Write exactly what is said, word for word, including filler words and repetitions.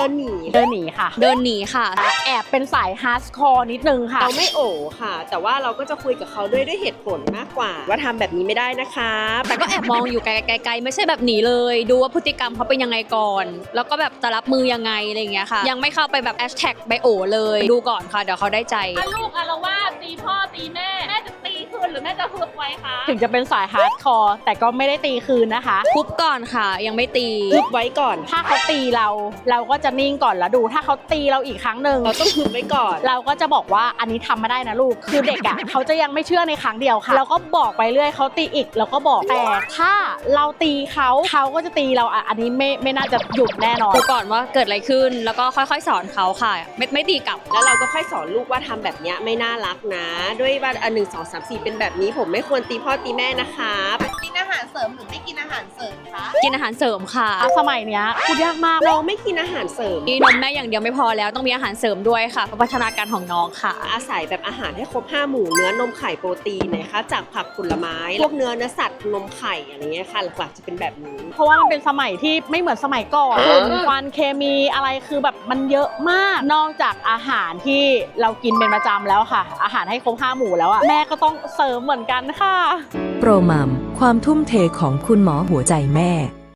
นหนีเดินหนีค่ะเดินหนีค่ะแอบเป็นสายฮาร์ดคอร์นิดนึงค่ะเราไม่โอค่ะแต่ว่าเราก็จะคุยกับเขาด้วยด้วยเหตุผลมากกว่าว่าทำแบบนี้ไม่ได้นะคะแต่ก็แอบมองอยู่ไกลๆไม่ใช่แบบหนีเลยดูว่าพฤติกรรมเขาเป็นยังไงก่อนแล้วก็แบบจะรับมือยังไงอะไรอย่างเงี้ยค่ะยังไม่เข้าไปแบบแฮชแท็กไบโอเลยดูก่อนค่ะเดี๋ยวเขาได้ใจถ้าลูกอาละวาดตีพ่อตีแม่แม่จะตีคืนหรือแม่จะฮึบไว้คะถึงจะเป็นสายฮาร์ดคอร์แต่ก็ไม่ได้ตีคืนนะคะทุบก่อนค่ะยังไม่ตีฮึบไว้ก่อนถ้าเขาตีเราเราก็จะนิ่งก่อนแล้วดูถ้าเขาตีเราอีกครั้งหนึ่งเราต้องฮึบไว้ก่อนเราก็จะบอกว่าอันนี้ทำไม่ได้นะลูกคือเด็กอ่ะ เขาจะยังไม่เชื่อในครั้งเดียวค่ะเราก็บอกไปเรื่อยเขาตีอีกเราก็บอกแต่ถ้าเราตีเขาเขาก็จะตีเราอ่ะอันนี้ไม่ไม่น่าจะหยุดแน่นอนดูก่อนว่าเกิดอะไรขึ้นแล้วก็ค่อยๆสอนเขาค่ะไม่ไม่ตีกลับแล้วเราก็ค่อยสอนลูกว่าทำแบบนี้ไม่น่ารักนะด้วยว่าอันหนึ่งสองสามสี่เป็นแบบนี้ผมไม่ควรตีพ่อตีแม่นะคะกินอาหารเสริมหรือไม่กินอาหารเสริมคะกินอาหารเสริมค่ะสมัยเนี้ยพูดยากมากเราไม่กินอาหารเสริมมีนมแม่อย่างเดียวไม่พอแล้วต้องมีอาหารเสริมด้วยค่ะพัฒนาการของน้องค่ะอาศัยแบบอาหารให้ครบห้าหมู่เนื้อนมไข่โปรตีนนะคะจากผักผลไม้พวกเนื้อเนื้อสัตว์นมไข่อะไรเงี้ยค่ะหลักๆจะเป็นแบบนี้เพราะว่ามันเป็นสมัยที่ไม่เหมือนสมัยก่อนฝุ่นควันเคมีอะไรคือแบบมันเยอะมากนอกจากอาหารที่เรากินเป็นประจำแล้วค่ะอาหารให้ครบห้าหมู่แล้วอะแม่ก็ต้องเสริมเหมือนกันค่ะโปรมัมความทุ่มเทของคุณหมอหัวใจแม่